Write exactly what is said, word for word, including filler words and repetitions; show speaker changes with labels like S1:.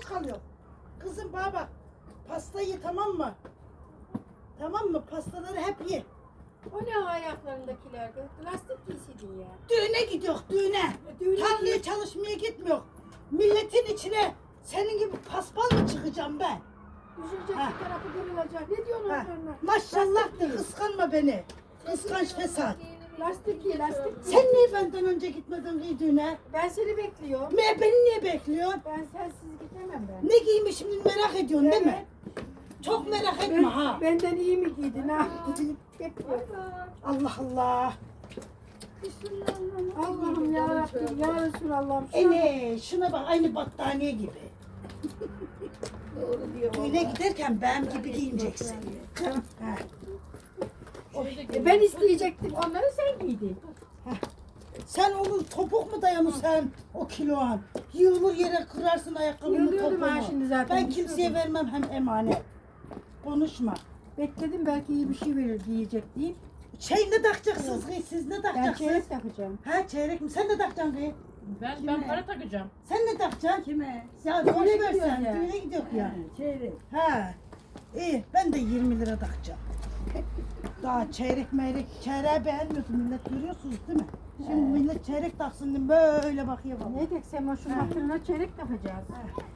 S1: kalıyor. Kızım bana bak. Pastayı tamam mı? Tamam mı? Pastaları hep ye.
S2: O ne o ayaklarındakiler? Lastik giysiydin ya.
S1: Düğüne gidiyor, düğüne.
S2: Düğüne
S1: Tarlaya çalışmaya gitmiyor. Milletin içine senin gibi paspal mı çıkacağım ben?
S2: Düşecek
S1: Ha.
S2: bir tarafı kırılacak. Ne diyorsun
S1: Ha.
S2: onlarına?
S1: Maşallah de kıskanma beni. Kıskanç fesat.
S2: Lastik giy, lastik giy.
S1: Sen niye benden önce gitmedin ki düğüne?
S2: Ben seni bekliyorum.
S1: Me beni niye bekliyorsun?
S2: Ben sensiz gidemem ben.
S1: Ne giymişim merak ediyorsun değil mi?
S2: Evet.
S1: Çok merak
S2: Ben-
S1: etme ha.
S2: Benden iyi mi giydin ha? Bekliyorum.
S1: Allah Allah.
S2: Allah'ım ya Rabbim ya Resulallah'ım. Şuna
S1: Ene şuna bak aynı battaniye gibi. Düğüne giderken benim gibi giyineceksin. Ha.
S2: bak. Ben isteyecektim. Onları sen giydin.
S1: Sen onun topuk mu dayanır sen o kiloan? Yığılır yere kırarsın ayakkabını
S2: Yığılıyordum
S1: topuğunu.
S2: ha şimdi zaten,
S1: Ben kimseye
S2: düşüyordum.
S1: vermem hem emanet. Konuşma.
S2: Bekledim belki iyi bir şey verir diyecek deyip.
S1: Şey ne takacaksınız kız? Siz ne
S2: Ben
S1: takacaksınız?
S2: çeyrek takacağım.
S1: Ha çeyrek mi? Sen ne takacaksın kız?
S3: Ben
S4: Kime?
S3: ben para takacağım.
S1: Sen ne takacaksın?
S4: Kime?
S1: Ya
S2: Düğüne
S1: boş ver
S2: gidiyoruz
S1: sen.
S2: ya.
S1: Düğüne gidiyor ya.
S4: Ha, çeyrek.
S1: Ha. İyi ben de yirmi lira takacağım. Daha çeyrek meyrek çeyreği beğenmiyorsun millet görüyorsunuz değil mi? Şimdi millet çeyrek taksın diye böyle bakıyor bana.
S2: Ne dedik Sema şu hatırına çeyrek takacağız.
S1: Ha.